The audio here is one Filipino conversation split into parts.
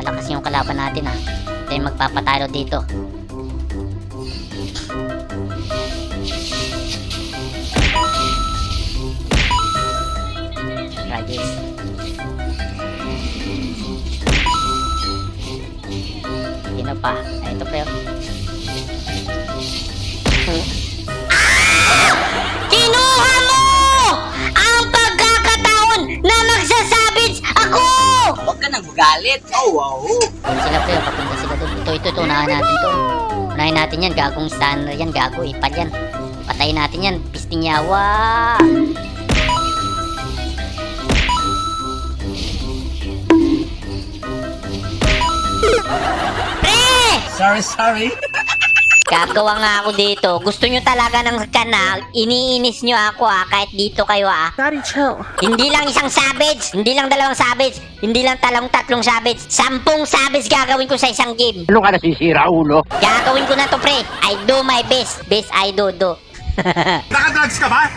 malakas yung kalaban natin ha. Ito yung magpapatalo dito. Ragis. Sino pa? Ay, ito pre. Kinuha mo! Ang pagkakataon na magsasabits ako! Huwag ka nang magalit. Oh, wow. Yun sila pre, papunta sila doon. Ito, unahan natin to. Unahin natin yan, gagong stunner yan, gago, ipad yan. Patayin natin yan, pisting yawa. Pre! Sorry. Gagawa nga ako dito. Gusto nyo talaga ng kanal, iniinis nyo ako kahit dito kayo Daddy, chill. Hindi lang isang savage, hindi lang dalawang savage, hindi lang tatlong savage, 10 savage gagawin ko sa isang game. Ano ka nasisira, ulo? Gagawin ko na to pre. I do my best. Best I do. Nakadrugs ka ba?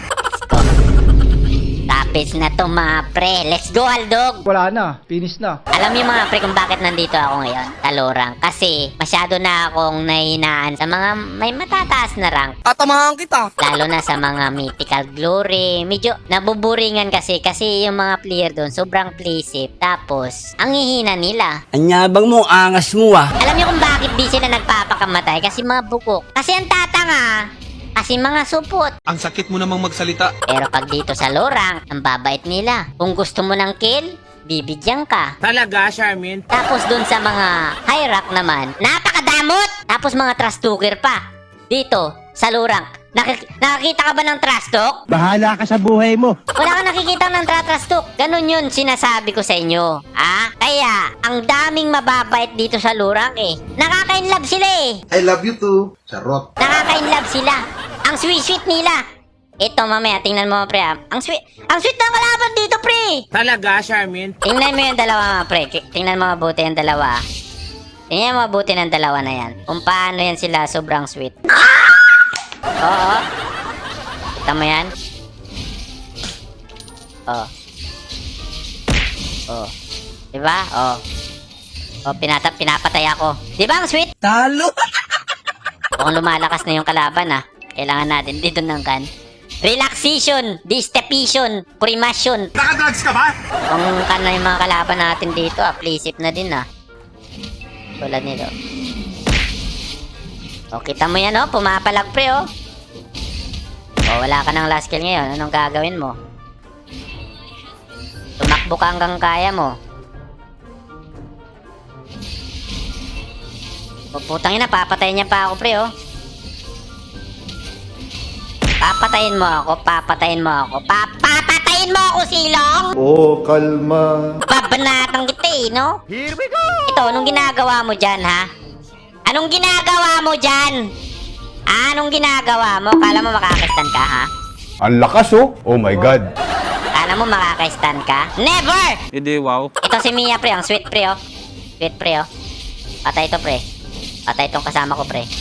Tapos na to mga pre. Let's go Aldog. Wala na, finish na. Alam niyo mga pre kung bakit nandito ako ngayon, Talorang. Kasi masyado na akong nahinaan sa mga may matataas na rank. Tatamahan kita. Lalo na sa mga mythical glory. Medyo nabuburingan kasi yung mga player doon sobrang playsafe. Tapos, ang hihina nila. Anyabang mo, angas mo ah. Alam niyo kung bakit di sila nagpapakamatay? Kasi mga bukok. Kasi ang tatanga. Kasi mga supot. Ang sakit mo namang magsalita. Pero pag dito sa lorang, ang babait nila. Kung gusto mo ng kill, bibigyan ka. Talaga, Charmin? Tapos dun sa mga high rank naman, napakadamot! Tapos mga trash talker pa. Dito, sa lorang. Nakakita ka ba ng trash talk? Bahala ka sa buhay mo. Wala kang nakikita ng trash talk. Ganun yun sinasabi ko sa inyo. Kaya, ang daming mababait dito sa lorang Nakaka-inlove sila I love you too. Charot. Nakaka-inlove sila. Ang sweet-sweet nila. Ito mamaya, tingnan mo pre. Ang sweet ng kalaban dito pre. Talaga, Charmin? Tingnan mo yung dalawa mga pre. Tingnan mo mabuti yung dalawa. Tingnan mo mabuti ng dalawa na yan. Kung paano yan sila sobrang sweet. Oo. Kita mo yan? Oh. Diba? Pinapatay ako. Diba ang sweet? Talo. Kung lumalakas na yung kalaban kailangan natin dito ng kan. Relaxation, distepation, primasyon. Nakadrugs ka ba? Kung kan na yung mga kalaban natin dito, playsafe na din Tulad nito. Kita mo yan pumapalag pre wala ka ng last kill ngayon. Anong gagawin mo? Tumakbo ka hanggang kaya mo. Putang ina, papatayin niya pa ako pre Papatayin mo ako, papatayin mo ako, silong! Kalma. Babanatang kita no? Here we go! Ito, anong ginagawa mo dyan, ha? Anong ginagawa mo dyan? Anong ginagawa mo? Kala mo makakastan ka, ha? Ang lakas oh my god. Kala mo makakastan ka? Never! Hindi, wow. Ito si Mia, pre. Ang sweet, pre, Sweet, pre, Patay ito, pre. Patay itong kasama ko, pre.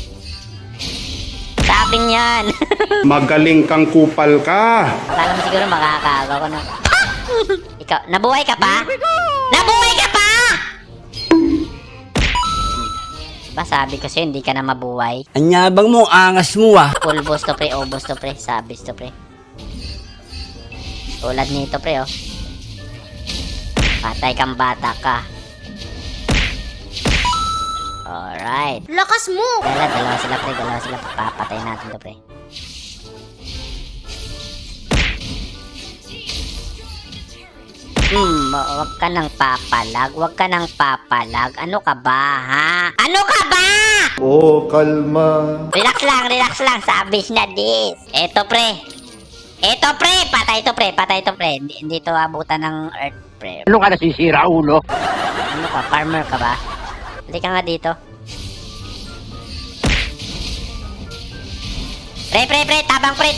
Sabi niyan. Magaling kang kupal ka. Akala mo siguro makakagaw ko, no? Ikaw, nabuhay ka pa? Nabuhay ka pa! Diba sabi ko sa'yo, hindi ka na mabuhay. Anyabang mo, angas mo ah. Full boss to, pre. Obos to, pre. Sabis to, pre. Tulad nito, pre, Patay kang bata ka. Alright. Lakas mo! Dalawa sila, pre. Papatay natin to, pre. Wag ka nang papalag. Ano ka ba, ha? Ano ka ba? Kalma. Relax lang. Sabis na dis. Eto, pre. Patay to, pre. Hindi to abutan ng earth, pre. Ano ka nasisira, ulo? Ano ka? Farmer ka ba? Hindi ka nga dito. Pre. Tabang, pre.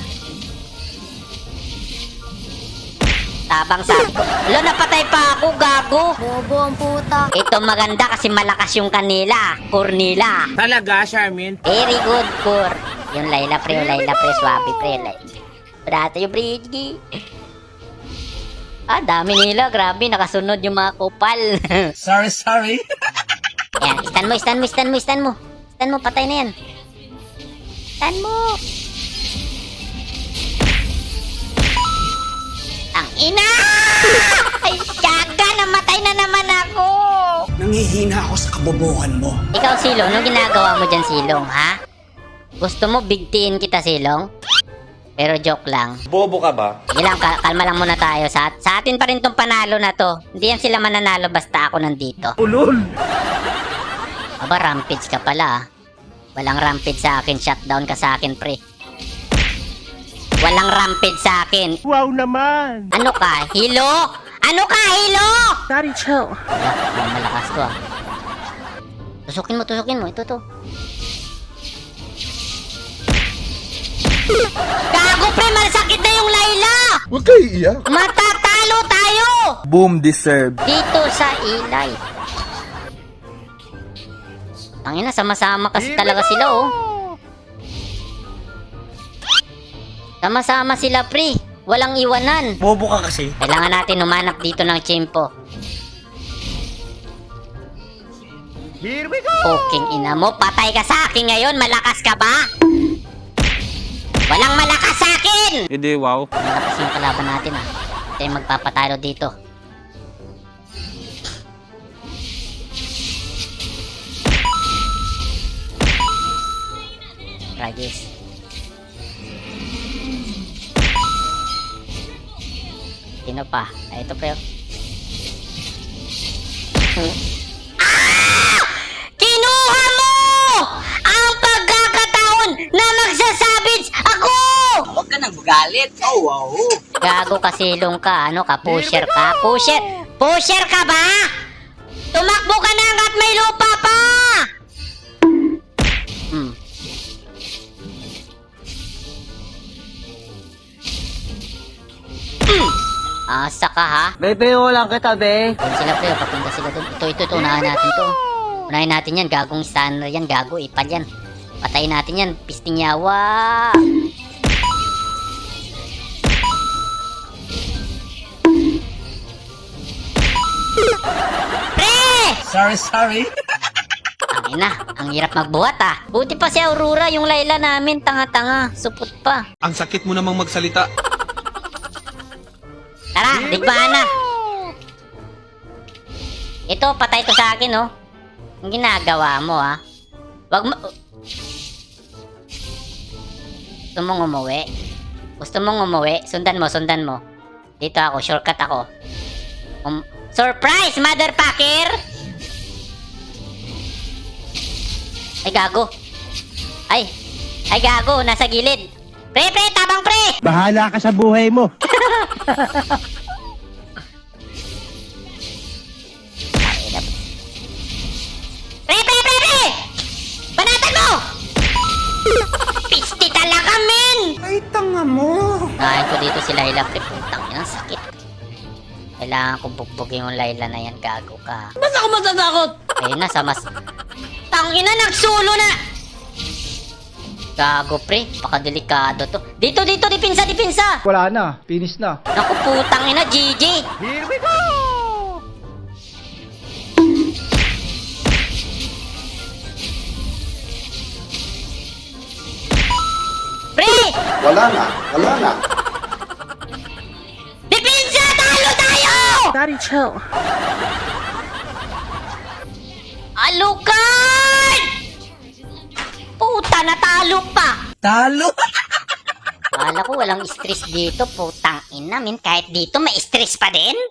Tabang sa... Lo, napatay pa ako, gago. Bobo ang puta. Ito maganda kasi malakas yung kanila. Core nila. Talaga, Charmin? Very good, core. Yung Layla, pre. Swabe, pre. Brato yung bridge. Dami nila. Grabe, nakasunod yung mga kupal. Sorry. Ayan, stun mo. Stun mo, patay na yan. Stun mo. Ang ina! Ay, gaga, namatay na naman ako. Nangihina ako sa kabobohan mo. Ikaw, Silong, anong ginagawa mo dyan, Silong, ha? Gusto mo bigtiin kita, Silong? Pero joke lang. Bobo ka ba? Sige lang, kalma lang muna tayo. Sa atin pa rin tong panalo na to. Hindi yan sila mananalo basta ako nandito. Ulol! Aba, rampage ka pala, ah. Walang rampage sa akin. Shutdown ka sa akin, pre. Walang rampage sa akin. Wow naman! Ano ka? Hilo? Ano ka? Hilo? Daddy, chill. Wala, malakas to, ah. Tusukin mo. Ito to. Gago, pre! Masakit na yung Layla! Huwag kayo iiyak. Matatalo tayo! Boom deserve. Dito sa Ilay. Tangina, sama-sama kasi talaga sila, oh. Sama-sama sila, pre. Walang iwanan. Bobo ka kasi. Kailangan natin humanap dito ng tiyempo. Here we go! Poking ina mo, patay ka sa akin ngayon. Malakas ka ba? Walang malakas sa akin! Hindi, wow. Malakas yung kalaban natin, ah. Tayo magpapatalo dito. Ragis. Sino pa? Ito pre. Kinuha mo! Ang pagkakataon na magsasabits ako! Huwag ka nang magalit. Oh, wow. Gago ka, Silong ka. Ano ka? Pusher ka? Pusher ka ba? Tumakbo ka na hanggat may lupa pa! Asa ka, ha? Bebe, lang kita, be. Doon sila, pre. Papunta sila doon. Ito. Unahin natin to. Unahin natin yan. Gagong stunner yan. Gago. Ipad yan. Patayin natin yan. Pisting yawa. Pre! Sorry. Ang ina. Ang hirap magbuhat, ah. Buti pa si Aurora. Yung Layla namin. Tanga-tanga. Supot pa. Ang sakit mo namang magsalita. Tara, digmaan na. Ito, patay to sa akin, oh. Ang ginagawa mo, ha? Wag mo... Gusto mong umuwi? Sundan mo. Dito ako, shortcut ako. Surprise, motherfucker! Ay, gago. Ay, gago, nasa gilid. Pre, tabang pre! Bahala ka sa buhay mo! Pre! Banatan mo! Pisti talaga, men! Ay, tanga mo. Nahin ko dito si Layla, pre. Putang ina, sakit. Kailangan kong bugbugin yung Layla na yan, gago ka. Ba't ako matatakot? Ayun na, Tangina, nagsulo na! Gago, pre. Pakadelikado to. Dito, dipinsa! Wala na, finish na. Naku, putang ina, GG! Here we go! Pre! Wala na. Dipinsa! Talo tayo! Daddy, chill. Alukan! Puta, natalo pa! Talo. Kala ko walang stress dito, putang ina, min. Kahit dito may stress pa din.